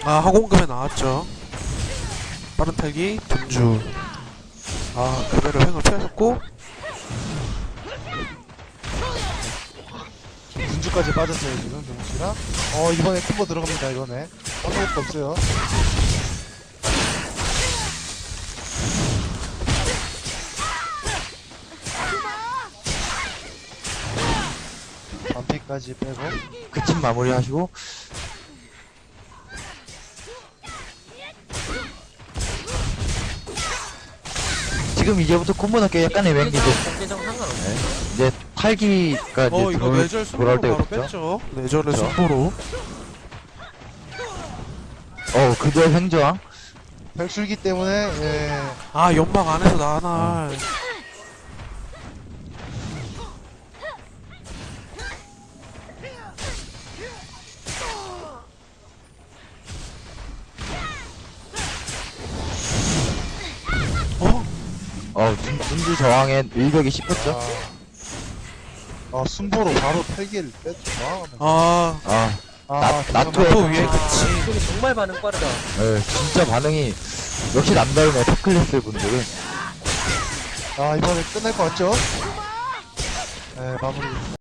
아, 항공급에 나왔죠. 빠른 탈기 분주. 아, 그대로 횡을 피하셨고. 분주까지 빠졌어요 지금 동시랑. 이번에 콤보 들어갑니다. 이번에 아무것도 없어요. 반피까지 빼고. 그 팀 마무리하시고. 지금 이제부터 콤보 넣기 약간의 맹기죠. 공개정 상관없네. 이제 탈기가 이제 이거 뇌절 돌아올 승부로 때가 바로 됐죠. 뺐죠. 뇌절의 그쵸. 승부로. 그대로 횡저항. 백술기 때문에 아, 연막 안에서 나날. 분주 저항에 일격이 씹혔죠. 순보로 바로 탈기를 뺐죠. 아, 나토에 또 위에 그치. 이게 정말 반응 빠르다. 진짜 반응이 역시 남다르네. 탑클래스 분들은. 이번에 끝날 것 같죠? 네, 마무리.